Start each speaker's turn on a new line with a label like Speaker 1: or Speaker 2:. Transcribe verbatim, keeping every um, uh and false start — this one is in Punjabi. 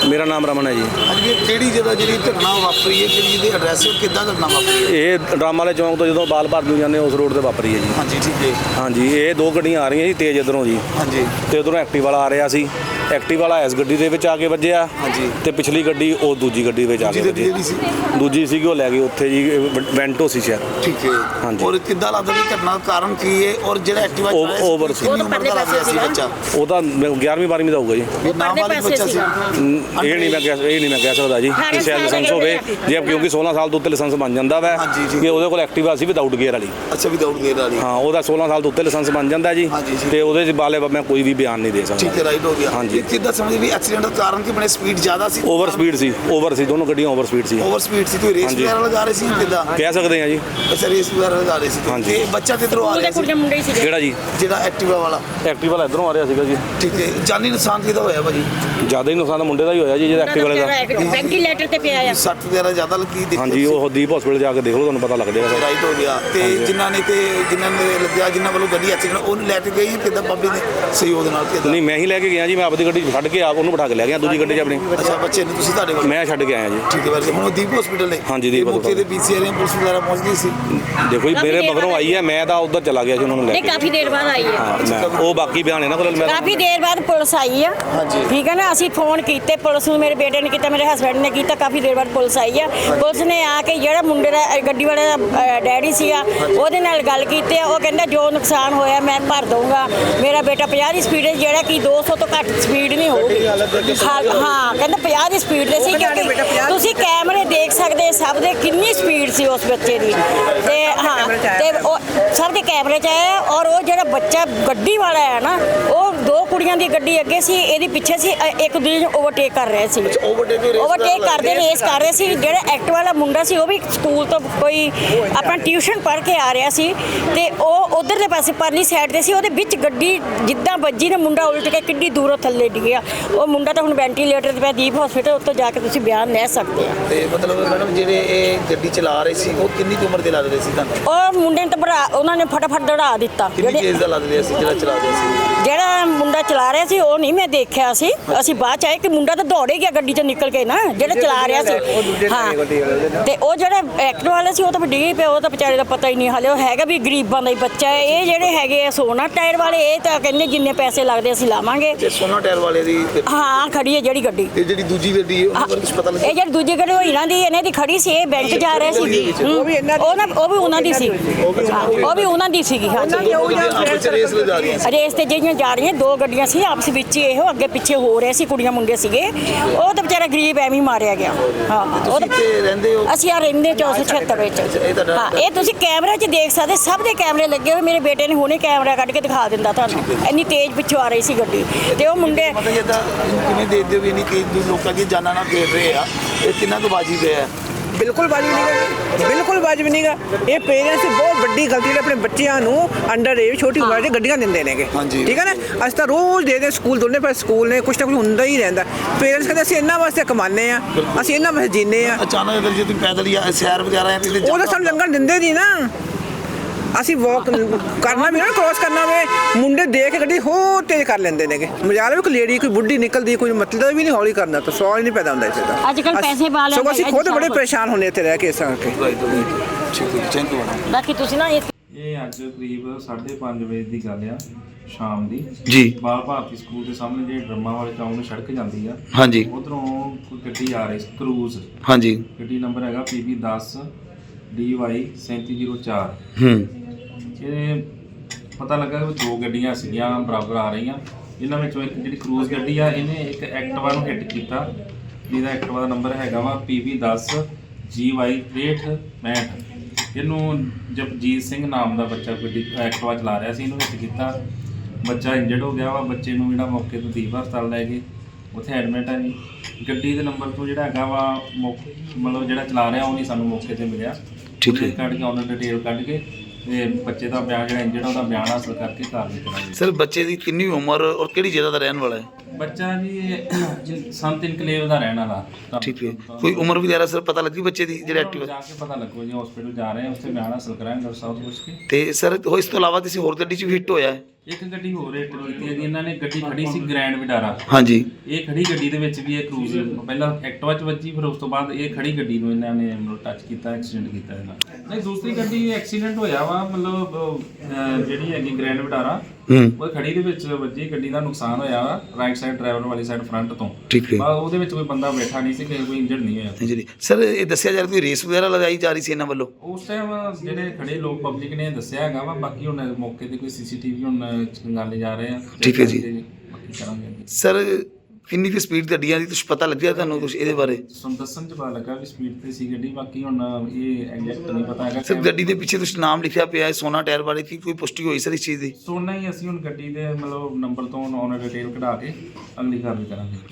Speaker 1: ਮੇਰਾ ਨਾਮ ਰਮਨ ਹੈ ਜੀ।
Speaker 2: ਹਾਂਜੀ, ਕਿਹੜੀ ਜਗ੍ਹਾ ਜਿਹੜੀ ਘਟਨਾ ਵਾਪਰੀ ਹੈ, ਕਿਹੜੀ ਜਿਹਦੀ ਐਡਰੈਸ ਹੈ, ਕਿੱਦਾਂ ਘਟਨਾ ਵਾਪਰੀ ਹੈ?
Speaker 1: ਇਹ ਡਰਾਮਾ ਵਾਲੇ ਚੌਂਕ ਤੋਂ ਜਦੋਂ ਬਾਲ ਭਰ ਨੂੰ ਜਾਂਦੇ ਉਸ ਰੋਡ ਤੇ ਵਾਪਰੀ ਹੈ ਜੀ।
Speaker 2: ਹਾਂਜੀ ਠੀਕ ਹੈ।
Speaker 1: ਹਾਂਜੀ, ਇਹ ਦੋ ਗੱਡੀਆਂ ਆ ਰਹੀਆਂ ਜੀ ਤੇਜ਼ ਇੱਧਰੋਂ ਜੀ,
Speaker 2: ਹਾਂਜੀ
Speaker 1: ਤੇ ਉਧਰੋਂ ਐਕਟਿਵ ਵਾਲਾ ਆ ਰਿਹਾ ਸੀ। ਐਕਟਿਵ ਵਾਲਾ ਇਸ ਗੱਡੀ ਦੇ ਵਿੱਚ ਆ ਕੇ ਵੱਜਿਆ,
Speaker 2: ਹਾਂਜੀ
Speaker 1: ਤੇ ਪਿਛਲੀ ਗੱਡੀ ਉਹ ਦੂਜੀ ਗੱਡੀ ਵਿੱਚ ਆ ਕੇ ਵੱਜੀ।
Speaker 2: ਜਿਹੜੀ ਸੀ
Speaker 1: ਦੂਜੀ ਸੀਗੀ ਉਹ ਲੈ ਗਈ ਉੱਥੇ ਜੀ, ਵੈਂਟੋ ਸੀ ਸ਼ਾਇਦ।
Speaker 2: ਠੀਕ ਹੈ।
Speaker 1: ਹਾਂਜੀ।
Speaker 2: ਔਰ ਕਿੱਦਾਂ ਲੱਗਦਾ ਵੀ ਘਟਨਾ ਦਾ ਕਾਰਨ ਕੀ ਹੈ? ਔਰ ਜਿਹੜਾ ਐਕਟਿਵਾ
Speaker 1: ਉਹ-
Speaker 2: ਚਲਾਇਆ
Speaker 1: ਓਵਰ ਸੀ।
Speaker 2: ਕਿੰਨੀ ਉਮਰ ਦਾ ਲੱਗ ਰਿਹਾ ਸੀ ਬੱਚਾ?
Speaker 1: ਉਹਦਾ ਗਿਆਰਵੀਂ ਬਾਰਵੀਂ ਦਾ ਹੋਊਗਾ ਜੀ।
Speaker 2: ਨਾਮ ਵਾਲਾ ਬੱਚਾ ਸੀ?
Speaker 1: ਇਹ ਨਹੀਂ ਮੈਂ ਕਹਿ ਇਹ ਨਹੀਂ ਮੈਂ ਕਹਿ ਸਕਦਾ ਜੀ ਕਿ ਸ਼ਾਇਦ ਲਾਇਸੈਂਸ ਹੋਵੇ, ਜੇ ਕਿਉਂਕਿ ਸੋਲਾਂ ਸਾਲ ਤੋਂ ਉੱਤੇ ਲਾਇਸੈਂਸ ਬਣ ਜਾਂਦਾ ਵਾ।
Speaker 2: ਹਾਂਜੀ, ਠੀਕ
Speaker 1: ਕਿ ਉਹਦੇ ਕੋਲ ਐਕਟਿਵਾ ਸੀ ਵਿਦਆਊਟ ਗੇਅਰ ਵਾਲੀ।
Speaker 2: ਅੱਛਾ, ਵਿਦਆਊਟ ਗੇਅਰ ਵਾਲੀ।
Speaker 1: ਹਾਂ, ਉਹਦਾ ਸੋਲਾਂ ਸਾਲ ਤੋਂ ਉੱਤੇ ਲਾਇਸੈਂਸ ਬਣ ਜਾਂਦਾ ਜੀ,
Speaker 2: ਹਾਂਜੀ, ਜੀ।
Speaker 1: ਤੇ ਉਹਦੇ ਚ ਬਾਲੇ ਮੈਂ ਕੋਈ ਵੀ ਬਿਆਨ ਨਹੀਂ ਦੇ ਸਕਦਾ।
Speaker 2: ਠੀਕ ਹੈ, ਰਾਈਟ ਹੋ ਗਿਆ।
Speaker 1: ਹਾਂਜੀ।
Speaker 2: ਇਹ ਕਿੱਦਾਂ ਸਮਝ ਵੀ ਐਕਸੀਡੈਂਟ ਦਾ ਕਾਰਨ ਕੀ ਬਣੇ? ਸਪੀਡ ਜ਼ਿਆਦਾ ਸੀ?
Speaker 1: ਓਵਰ ਸਪੀਡ ਸੀ, ਓਵਰ ਸੀ, ਦੋਨੋਂ ਗੱਡੀਆਂ ਓਵਰ ਸਪੀਡ ਸੀ।
Speaker 2: ਓਵਰ ਸਪੀਡ ਸੀ। ਕੋਈ ਰੇਸ
Speaker 1: ਹਾਂਜੀ।
Speaker 2: ਵਗੈਰਾ ਲਗਾ ਰਹੇ ਸੀ ਕਿੱਦਾਂ
Speaker 1: ਕਹਿ ਸਕਦੇ ਆ ਜੀ।
Speaker 2: ਅੱਛਾ, ਰੇਸ ਵਗੈਰਾ ਲਗਾ ਰਹੇ ਸੀ।
Speaker 1: ਹਾਂਜੀ।
Speaker 2: ਤੇ ਬੱਚਾ ਕਿੱਧਰੋਂ ਆ ਰਿਹਾ ਸੀ?
Speaker 3: ਮੁੰਡੇ ਸੀ
Speaker 1: ਕਿਹੜਾ ਜੀ?
Speaker 2: ਜਿਹੜਾ ਐਕਟਿਵਾ ਵਾਲਾ?
Speaker 1: ਐਕਟਿਵ ਵਾਲਾ ਇਧਰੋਂ ਆ ਰਿਹਾ ਸੀਗਾ ਜੀ।
Speaker 2: ਠੀਕ ਹੈ। ਜਾਨੀ ਨੁਕਸਾਨ ਕਿਹਦਾ ਹੋਇਆ ਭਾਜੀ?
Speaker 1: ਜ਼ਿਆਦਾ ਹੀ ਨੁਕਸਾਨ ਤਾਂ ਮੁੰਡੇ ਦਾ ਹੀ ਹੋਇਆ ਜੀ, ਜਿਹੜਾ ਐਕਟਿਵ ਵਾਲੇ ਦਾ।
Speaker 3: ਵੈਂਟੀਲੇਟਰ ਤੇ ਪਿਆ ਆ।
Speaker 2: ਸੱਟ ਵਗੈਰਾ ਜ਼ਿਆਦਾ ਲੱਗੀ? ਦੇਖੋ
Speaker 1: ਹਾਂਜੀ, ਉਹ ਦੀਪ ਹਸਪੀਟਲ ਜਾ ਕੇ ਦੇਖ ਲਓ, ਤੁਹਾਨੂੰ ਪਤਾ ਲੱਗ ਜਾਏਗਾ।
Speaker 2: ਰਾਈਟ ਹੋ ਗਿਆ। ਤੇ ਜਿਨ੍ਹਾਂ ਨੇ ਤੇ ਜਿਨ੍ਹਾਂ ਨੇ ਲੱਗਿਆ, ਜਿਨ੍ਹਾਂ ਵੱਲੋਂ ਗੱਡੀ ਐਕਸੀਡੈਂਟ ਉਹਨੂੰ ਲੈ ਕੇ ਗਈ ਕਿੱਦਾਂ ਬਾਬੇ ਨੇ ਸਹਿਯੋਗ ਨਾਲ ਕਿੱਦਾਂ?
Speaker 1: ਨਹੀਂ, ਮੈਂ ਹੀ ਲੈ ਕੇ ਗਿਆ ਜੀ। ਮੈਂ ਆਪਦੀ ਗੱਡੀ ਛੱਡ ਕੇ ਆਪ ਉਹਨੂੰ ਬਿਠਾ ਕੇ ਲੈ ਗਿਆ ਦੂਜੀ ਗੱਡੀ 'ਚ ਆਪਣੀ।
Speaker 2: ਅੱਛਾ, ਬੱਚੇ ਨੂੰ ਤੁਸੀਂ ਤੁਹਾਡੇ ਵੱਲ?
Speaker 1: ਮੈਂ ਛੱਡ ਕੇ ਆਇਆ ਜੀ।
Speaker 2: ਠੀਕ ਹੈ ਭਾਜੀ। ਹੁਣ ਉਹ ਦੀਪ ਹਸਪੀਟਲ ਨੇ?
Speaker 1: ਹਾਂਜੀ, ਦੀਪ
Speaker 2: ਮੌਕੇ
Speaker 1: hospital।
Speaker 2: ਤੇ ਪੀਸੀਆਰ ਜਾਂ ਪੁਲਿਸ ਵਗੈਰਾ ਪਹੁੰਚ ਗਈ ਸੀ?
Speaker 1: ਦੇਖੋ ਜੀ, ਮੇਰੇ ਮਗਰੋਂ ਆਈ ਹੈ, ਮੈਂ ਤਾਂ ਉਧਰ ਚਲਾ ਗਿਆ ਸੀ ਉਹਨਾਂ ਨੂੰ ਲੈ
Speaker 3: ਨਹੀਂ,
Speaker 1: ਕੇ।
Speaker 3: ਕਾਫੀ ਦੇਰ ਬਾਅਦ ਆਈ ਹੈ।
Speaker 1: ਹਾਂ, ਮੈਂ ਉਹ ਬਾਕੀ ਬਿਆਨ ਇਹਨਾਂ ਕੋਲ ਮੈਂ
Speaker 3: ਕਾਫੀ ਦੇਰ ਬਾਅਦ ਪੁਲਿਸ ਆਈ ਆ।
Speaker 2: ਹਾਂਜੀ।
Speaker 3: ਠੀਕ ਹੈ ਨਾ, ਅਸੀਂ ਫੋਨ ਕੀਤੇ ਪੁਲਿਸ ਨੂੰ, ਮੇਰੇ ਬੇਟੇ ਨੇ ਕੀਤਾ, ਮੇਰੇ ਹਸਬੰਡ ਨੇ ਕੀਤਾ। ਕਾਫੀ ਦੇਰ ਬਾਅਦ ਪੁਲਿਸ ਆਈ ਆ। ਪੁਲਿਸ ਨੇ ਆ ਕੇ ਜਿਹੜਾ ਮੁੰਡੇ ਦਾ ਗੱਡੀ ਵਾਲੇ ਦਾ ਡੈਡੀ ਸੀਗਾ ਉਹਦੇ ਨਾਲ ਗੱਲ ਕੀਤੀ ਆ। ਉਹ ਕਹਿੰਦਾ ਜੋ ਨੁਕਸਾਨ ਹੋਇਆ ਮੈਂ ਭਰ ਦਊਂਗਾ। ਮੇਰਾ ਬੇਟਾ ਪੰਜਾਹ ਦੀ ਸਪੀਡ ਹੈ, ਜਿਹੜਾ ਕਿ ਦੋ ਸੌ ਤੋਂ ਘੱਟ ਸਪੀਡ ਨਹੀਂ ਹੋਊਗੀ। ਹਾਂ, ਕਹਿੰਦਾ ਪੰਜਾਹ ਦੀ ਸਪੀਡ ਦੇ ਸੀ, ਕਿਉਂਕਿ ਤੁਸੀਂ ਕੈਮਰੇ ਦੇਖ ਸਕਦੇ ਸਭ ਦੇ ਕਿੰਨੀ ਸਪੀਡ ਸੀ ਉਸ ਬੱਚੇ ਦੀ। ਤੇ ਹਾਂ, ਤੇ ਉਹ ਸਭ ਦੇ ਕੈਮਰੇ 'ਚ ਆਇਆ। ਔਰ ਉਹ ਜਿਹੜਾ ਬੱਚਾ ਗੱਡੀ ਵਾਲਾ ਹੈ ਨਾ, ਉਹ ਦੋ ਕੁੜੀਆਂ ਦੀ ਗੱਡੀ ਅੱਗੇ ਸੀ, ਇਹਦੀ ਪਿੱਛੇ ਸੀ। ਇੱਕ ਦੂਜੇ ਨੂੰ ਓਵਰਟੇਕ ਕਰ ਰਹੇ ਸੀ। ਓਵਰਟੇਕ ਕਰਦੇ ਰੇਸ ਕਰ ਰਹੇ ਸੀ। ਜਿਹੜਾ ਐਕਟ ਵਾਲਾ ਮੁੰਡਾ ਸੀ ਉਹ ਵੀ ਸਕੂਲ ਤੋਂ ਕੋਈ ਆਪਣਾ ਟਿਊਸ਼ਨ ਪੜ੍ਹ ਕੇ ਆ ਰਿਹਾ ਸੀ, ਤੇ ਉਹ ਉਧਰ ਦੇ ਪਾਸੇ ਪਰਲੀ ਸਾਈਡ ਤੇ ਸੀ। ਉਹਦੇ ਵਿੱਚ ਗੱਡੀ ਜਿੱਦਾਂ ਵੱਜੀ ਨੇ, ਮੁੰਡਾ ਉਲਟ ਕੇ ਕਿੰਨੀ ਦੂਰੋਂ ਥੱਲੇ ਡਿੱਗਿਆ। ਉਹ ਮੁੰਡਾ ਤਾਂ ਹੁਣ ਵੈਂਟੀਲੇਟਰ ਤੇ ਪਿਆ ਦੀਪ ਹਸਪੀਟਲ, ਉੱਥੋਂ ਜਾ ਕੇ ਤੁਸੀਂ ਬਿਆਨ ਲੈ ਸਕਦੇ ਆ।
Speaker 2: ਤੇ ਮਤਲਬ ਮੈਡਮ ਜਿਹੜੇ ਇਹ ਗੱਡੀ ਚਲਾ ਰਹੇ ਸੀ ਉਹ ਕਿੰਨੀ ਕੁ ਉਮਰ ਦੇ ਲੱਗ ਰਹੇ ਸੀ ਤੁਹਾਨੂੰ?
Speaker 3: ਉਹ ਮੁੰਡੇ ਨੂੰ ਤਾਂ ਭਰਾ ਉਹਨਾਂ ਨੇ ਫਟਾਫਟ ਦੌੜਾ ਦਿੱਤਾ।
Speaker 2: ਕਿੰਨੀ ਏਜ ਦਾ ਲੱਗ ਰਿਹਾ ਸੀ ਜਿਹੜਾ ਚਲਾ ਰਿਹਾ ਸੀ?
Speaker 3: ਜਿਹੜਾ ਮੁੰਡਾ ਚਲਾ ਰਿਹਾ ਸੀ ਉਹ ਨਹੀਂ ਮੈਂ ਦੇਖਿਆ ਸੀ, ਅਸੀਂ ਬਾਅਦ ਚ ਆਏ ਕਿ ਮੁੰਡਾ ਤਾਂ ਦੌੜੇ ਗਿਆ ਗੱਡੀ 'ਚ ਨਿਕਲ ਕੇ ਨਾ, ਜਿਹੜਾ ਚਲਾ ਰਿਹਾ ਸੀ। ਹਾਂ, ਤੇ ਉਹ ਜਿਹੜਾ ਐਕਟਿਵ ਵਾਲਾ ਸੀ ਉਹ ਤਾਂ ਡਿੱਗ ਪਿਆ। ਉਹ ਤਾਂ ਵਿਚਾਰੇ ਦਾ ਪਤਾ ਹੀ ਨਹੀਂ ਹਾਲੇ। ਉਹ ਹੈਗਾ ਵੀ ਗਰੀਬਾਂ ਦਾ ਹੀ ਬੱਚਾ ਹੈ। ਇਹ ਜਿਹੜੇ ਹੈਗੇ ਆ ਸੋਨਾ ਟਾਇਰ ਵਾਲੇ, ਇਹ ਤਾਂ ਕਹਿੰਦੇ ਜਿੰਨੇ ਪੈਸੇ ਲੱਗਦੇ ਅਸੀਂ ਲਾਵਾਂਗੇ।
Speaker 2: ਤੇ ਸੋਨਾ ਟਾਇਰ ਵਾਲੇ ਦੀ
Speaker 3: ਹਾਂ, ਖੜੀ ਹੈ ਜਿਹੜੀ ਗੱਡੀ।
Speaker 2: ਤੇ ਜਿਹੜੀ ਦੂਜੀ ਗੱਡੀ ਹੈ ਉਹਨਾਂ ਬਾਰੇ ਕੁਝ ਪਤਾ ਲੱਗਿਆ?
Speaker 3: ਇਹ ਜਿਹੜੀ ਦੂਜੀ ਗੱਡੀ ਉਹ ਇਹਨਾਂ ਦੀ, ਇਹਨਾਂ ਦੀ ਖੜੀ ਸੀ। ਇਹ ਬੈਂਕ ਜਾ ਰਹੇ ਸੀ। ਉਹ ਵੀ ਉਹ ਵੀ ਉਹਨਾਂ ਦੀ ਸੀ। ਉਹ ਵੀ ਉਹਨਾਂ ਦੀ ਸੀਗੀ। ਹਾਂਜੀ,
Speaker 2: ਆਪਸ ਚ ਰੇਸ ਲਗਾ ਰਹੀਆਂ ਸੀ।
Speaker 3: ਰੇਸ ਤੇ ਜਿਹੜੀਆਂ ਜਾ ਰਹੀਆਂ ਦੋ ਗੱਡੀਆਂ ਸੀ ਆਪਸ ਵਿੱਚ, ਇਹੋ ਅੱਗੇ ਪਿੱਛੇ ਹੋ ਰਹੇ ਸੀ, ਕੁੜੀਆਂ ਮੁੰਡੇ ਸੀਗੇ। ਉਹ ਤਾਂ ਵਿਚਾਰਾ ਗਰੀਬ ਐਵੇਂ ਹੀ ਮਾਰਿਆ ਗਿਆ। ਹਾਂ, ਉਹ
Speaker 2: ਤੁਸੀਂ ਇੱਥੇ ਰਹਿੰਦੇ ਹੋ?
Speaker 3: ਅਸੀਂ ਆ ਰਹਿੰਦੇ ਚੌਂ ਸੌ ਛਿਹੱਤਰ ਵਿੱਚ। ਹਾਂ, ਇਹ ਤੁਸੀਂ ਕੈਮਰੇ 'ਚ ਦੇਖ ਸਕਦੇ, ਸਭ ਦੇ ਕੈਮਰੇ ਲੱਗੇ ਹੋਏ। ਮੇਰੇ ਬੇਟੇ ਨੇ ਹੁਣੇ ਕੈਮਰਾ ਕੱਢ ਕੇ ਦਿਖਾ ਦਿੰਦਾ ਤੁਹਾਨੂੰ। ਇੰਨੀ ਤੇਜ਼ ਪਿੱਛੋਂ ਆ ਰਹੀ ਸੀ ਗੱਡੀ, ਤੇ ਉਹ ਮੁੰਡੇ
Speaker 2: ਪਤਾ ਜਿੱਦਾਂ ਕਿਵੇਂ ਦੇਖਦੇ ਹੋ ਵੀ ਇੰਨੀ ਤੇਜ਼ ਲੋਕਾਂ ਦੀ ਜਾਨਾਂ ਨਾਲ ਖੇਡ ਰਹੇ ਆ, ਇਹ ਕਿੰਨਾ ਕੁ ਬਾਜੀ ਪਿਆ?
Speaker 4: ਬਿਲਕੁਲ ਵਾਜਬ ਨਹੀਂਗਾ, ਬਿਲਕੁਲ ਵਾਜਬ ਨਹੀਂਗਾ। ਇਹ ਪੇਰੈਂਟਸ ਦੀ ਬਹੁਤ ਵੱਡੀ ਗਲਤੀ ਹੈ, ਆਪਣੇ ਬੱਚਿਆਂ ਨੂੰ ਅੰਡਰ ਏਜ ਛੋਟੀ ਉਮਰ 'ਚ ਗੱਡੀਆਂ ਦਿੰਦੇ ਨੇਗੇ। ਠੀਕ ਹੈ ਨਾ, ਅਸੀਂ ਤਾਂ ਰੋਜ਼ ਦੇ ਦੇ ਸਕੂਲ ਦੋਨੇ ਪਰ ਸਕੂਲ ਨੇ ਕੁਛ ਨਾ ਕੁਛ ਹੁੰਦਾ ਹੀ ਰਹਿੰਦਾ। ਪੇਰੈਂਟਸ ਕਹਿੰਦੇ ਅਸੀਂ ਇਹਨਾਂ ਵਾਸਤੇ ਕਮਾਉਂਦੇ ਆ, ਅਸੀਂ ਇਹਨਾਂ ਵਾਸਤੇ ਜੀਂਦੇ ਆ।
Speaker 2: ਅਚਾਨਕ ਅਗਰ ਜੇ ਤੁਸੀਂ ਪੈਦਲ ਜਾਂ ਸੈਰ ਵਗੈਰਾ ਜਾਂ ਕਿਤੇ
Speaker 4: ਉਹ ਤਾਂ ਸਾਨੂੰ ਲੰਘਣ ਦਿੰਦੇ ਨਹੀਂ ਨਾ। ਅਸੀਂ ਵਾਕ ਕਰਨਾ ਵੀ ਨਾ, ਕ੍ਰੋਸ ਕਰਨਾ ਵੇ, ਮੁੰਡੇ ਦੇਖ ਕੇ ਗੱਡੀ ਹੋ ਤੇਜ਼ ਕਰ ਲੈਂਦੇ ਨੇਗੇ। ਮਜ਼ਾਲ ਵੀ ਕੋਈ ਲੇਡੀ ਕੋਈ ਬੁੱਢੀ ਨਿਕਲਦੀ, ਕੋਈ ਮਤਲਬ ਵੀ ਨਹੀਂ ਹੌਲੀ ਕਰਨਾ, ਤਾਂ ਸਵਾਲ ਹੀ ਨਹੀਂ ਪੈਦਾ ਹੁੰਦਾ ਇੱਥੇ ਤਾਂ।
Speaker 3: ਅੱਜ ਕੱਲ੍ਹ ਪੈਸੇ ਵਾਲੇ
Speaker 4: ਸਗੋਂ ਅਸੀਂ ਖੁਦ ਬੜੇ ਪਰੇਸ਼ਾਨ ਹੁੰਦੇ ਇੱਥੇ ਰਹਿ ਕੇ ਇਸ ਕਰਕੇ।
Speaker 2: ਠੀਕ ਹੈ, ਥੈਂਕ ਯੂ ਮੈਡਮ।
Speaker 3: ਬਾਕੀ ਤੁਸੀਂ ਨਾ
Speaker 5: ਇਹ ਅੱਜ ਕਰੀਬ ਸਾਢੇ ਪੰਜ ਵਜੇ ਦੀ ਗੱਲ ਆ ਸ਼ਾਮ ਦੀ
Speaker 2: ਜੀ।
Speaker 5: ਬਾਲ ਭਾਰਤੀ ਸਕੂਲ ਦੇ ਸਾਹਮਣੇ ਜਿਹੜੇ ਡਰਮਾ ਵਾਲੇ ਚੌਂਕ ਨੂੰ ਸੜਕ ਜਾਂਦੀ ਆ,
Speaker 2: ਹਾਂਜੀ
Speaker 5: ਉਧਰੋਂ ਕੋਈ ਗੱਡੀ ਆ ਰਹੀ ਸੀ ਕਰੂਜ਼।
Speaker 2: ਹਾਂਜੀ।
Speaker 5: ਗੱਡੀ ਨੰਬਰ ਹੈਗਾ ਪੀ ਬੀ ਦਸ ਡੀ ਵਾਈ ਸੈਂਤੀ ਜ਼ੀਰੋ ਚਾਰ।
Speaker 2: ਹੂੰ।
Speaker 5: ਇਹ ਪਤਾ ਲੱਗਾ ਕਿ ਦੋ ਗੱਡੀਆਂ ਸੀਗੀਆਂ ਬਰਾਬਰ ਆ ਰਹੀਆਂ। ਇਹਨਾਂ ਵਿੱਚੋਂ ਇੱਕ ਜਿਹੜੀ ਕਰੂਜ਼ ਗੱਡੀ ਆ, ਇਹਨੇ ਇੱਕ ਐਕਟਿਵਾ ਨੂੰ ਹਿੱਟ ਕੀਤਾ, ਜਿਹਦਾ ਐਕਟਿਵਾ ਦਾ ਨੰਬਰ ਹੈਗਾ ਵਾ ਪੀ ਬੀ ਦਸ ਜੀ ਵਾਈ ਤ੍ਰੇਹਠ ਪੈਂਹਠ। ਇਹਨੂੰ ਜਪਜੀਤ ਸਿੰਘ ਨਾਮ ਦਾ ਬੱਚਾ ਗੱਡੀ ਐਕਟਿਵਾ ਚਲਾ ਰਿਹਾ ਸੀ, ਇਹਨੂੰ ਹਿੱਟ ਕੀਤਾ। ਬੱਚਾ ਇੰਜਰਡ ਹੋ ਗਿਆ ਵਾ। ਬੱਚੇ ਨੂੰ ਜਿਹੜਾ ਮੌਕੇ ਤੋਂ ਦੀਪ ਹਸਪਤਾਲ ਲੈ ਗਏ, ਉੱਥੇ ਐਡਮਿਟ ਹੈ ਜੀ। ਗੱਡੀ ਦੇ ਨੰਬਰ ਤੋਂ ਜਿਹੜਾ ਹੈਗਾ ਵਾ ਮਤਲਬ ਜਿਹੜਾ ਚਲਾ ਰਿਹਾ ਉਹ ਨਹੀਂ ਸਾਨੂੰ ਮੌਕੇ 'ਤੇ ਮਿਲਿਆ।
Speaker 2: ਠੀਕ ਹੈ।
Speaker 5: ਕੱਢ ਕੇ ਉਹਨਾਂ ਡਿਟੇਲ ਕੱਢ ਕੇ ਤੇ ਬੱਚੇ ਦਾ ਬਿਆਨ ਜਿਹੜਾ ਇੰਜਰਡ ਉਹਦਾ ਬਿਆਨ ਹਾਸਲ ਕਰਕੇ ਕਾਰਵਾਈ ਕਰਾਂਗੇ।
Speaker 2: ਸਰ ਬੱਚੇ ਦੀ ਕਿੰਨੀ ਉਮਰ ਔਰ ਕਿਹੜੀ ਜਗ੍ਹਾ ਦਾ ਰਹਿਣ ਵਾਲਾ ਹੈ?
Speaker 5: ਬੱਚਾ ਜੀ ਸੰਤ ਇਨਕਲੇਵ ਦਾ ਰਹਿਣ ਵਾਲਾ।
Speaker 2: ਠੀਕ ਹੈ, ਕੋਈ ਉਮਰ ਵਗੈਰਾ ਸਰ ਪਤਾ ਲੱਗੀ ਬੱਚੇ ਦੀ ਜਿਹੜੇ ਐਕਟਿਵ
Speaker 5: ਜਾ ਕੇ ਪਤਾ ਲੱਗੋ ਜੀ, ਹਸਪੀਟਲ ਜਾ ਰਹੇ ਹਾਂ ਉੱਥੇ ਬਿਆਨ ਹਾਸਲ ਕਰਾਂਗੇ ਡਾਕਟਰ ਸਾਹਿਬ ਤੋਂ ਪੁੱਛ ਕੇ।
Speaker 2: ਤੇ ਸਰ ਉਹ ਇਸ ਤੋਂ ਇਲਾਵਾ ਕਿਸੇ ਹੋਰ ਗੱਡੀ 'ਚ ਵੀ ਹਿੱਟ ਹੋਇਆ ਹੈ?
Speaker 5: ਇੱਕ ਗੱਡੀ ਹੋਰ ਹਿੱਟ ਕੀਤੀ ਹੈ ਜੀ ਇਹਨਾਂ ਨੇ, ਗੱਡੀ ਖੜੀ ਸੀ ਗ੍ਰੈਂਡ ਵਿਟਾਰਾ।
Speaker 2: ਹਾਂਜੀ,
Speaker 5: ਇਹ ਖੜੀ ਗੱਡੀ ਦੇ ਵਿੱਚ ਵੀ ਇਹ ਕਰੂਜ਼ ਪਹਿਲਾਂ ਐਕਟਿਵਾ 'ਚ ਵੱਜੀ, ਫਿਰ ਉਸ ਤੋਂ ਬਾਅਦ ਇਹ ਖੜੀ ਗੱਡੀ ਨੂੰ ਇਹਨਾਂ ਨੇ ਮਤਲਬ ਟੱਚ ਕੀਤਾ, ਐਕਸੀਡੈਂਟ ਕੀਤਾ ਇਹਨਾਂ। ਨਹੀਂ ਦੂਸਰੀ ਗੱਡੀ ਐਕਸੀਡੈਂਟ ਹੋਇਆ ਵਾ ਮਤਲਬ ਅਹ, ਜਿਹੜੀ ਹੈਗੀ ਗ੍ਰੈਂਡ ਵਿਟਾਰਾ ਉਹ ਖੜੀ ਦੇ ਵਿੱਚ ਵੱਜੀ, ਗੱਡੀ ਦਾ ਨੁਕਸਾਨ ਹੋਇਆ ਵਾ ਰਾਈਟ ਸਾਈਡ ਡਰਾਈਵਰ ਵਾਲੀ ਸਾਈਡ ਫਰੰਟ ਤੋਂ।
Speaker 2: ਠੀਕ ਹੈ,
Speaker 5: ਬਸ ਉਹਦੇ ਵਿੱਚ ਕੋਈ ਬੰਦਾ ਬੈਠਾ ਨਹੀਂ ਸੀ, ਕੋਈ ਇੰਜਰਡ ਨਹੀਂ ਹੋਇਆ
Speaker 2: ਜੀ ਸਰ। ਇਹ ਦੱਸਿਆ ਜਾ ਰਿਹਾ ਕੋਈ ਰੇਸ ਵਗੈਰਾ ਲਗਾਈ ਜਾ ਰਹੀ ਸੀ ਇਹਨਾਂ ਵੱਲੋਂ?
Speaker 5: ਉਸ ਟਾਈਮ ਜਿਹੜੇ ਖੜੇ ਲੋਕ ਪਬਲਿਕ ਨੇ ਦੱਸਿਆ ਹੈਗਾ ਵਾ, ਬਾਕੀ ਹੁਣ ਮੌਕੇ ਤੇ ਕੋਈ ਸੀਸੀਟੀਵੀ ਹੁਣ ਚੰਗਾਲੇ ਜਾ ਰਹੇ ਆ।
Speaker 2: ਠੀਕ ਹੈ ਜੀ।
Speaker 5: ਬਾਕੀ ਕਰਾਂਗੇ
Speaker 2: ਸਰ ਕਿੰਨੀ ਕੁ ਸਪੀਡ ਗੱਡੀਆਂ ਦੀ ਕੁਛ ਪਤਾ ਲੱਗਿਆ ਤੁਹਾਨੂੰ ਕੁਛ ਇਹਦੇ ਬਾਰੇ?
Speaker 5: ਸਾਨੂੰ ਦੱਸਣ ਚ ਪਤਾ ਲੱਗਾ ਵੀ ਸਪੀਡ ਤੇ ਸੀ ਗੱਡੀ, ਬਾਕੀ ਹੁਣ ਇਹ ਐਗਜ਼ੈਕਟ ਨਹੀਂ ਪਤਾ ਹੈਗਾ।
Speaker 2: ਸਰ ਗੱਡੀ ਦੇ ਪਿੱਛੇ ਕੁਛ ਨਾਮ ਲਿਖਿਆ ਪਿਆ ਹੈ ਸੋਨਾ ਟਾਇਰ ਬਾਰੇ, ਕੀ ਕੋਈ ਪੁਸ਼ਟੀ ਹੋਈ ਸਰ ਇਸ ਚੀਜ਼ ਦੀ?
Speaker 5: ਸੋਨਾ ਹੀ ਅਸੀਂ ਹੁਣ ਗੱਡੀ ਦੇ ਮਤਲਬ ਨੰਬਰ ਤੋਂ ਔਨਰ ਡਿਟੇਲ ਕਢਾ ਕੇ ਅਗਲੀ ਕਾਰਵਾਈ ਕਰਾਂਗੇ।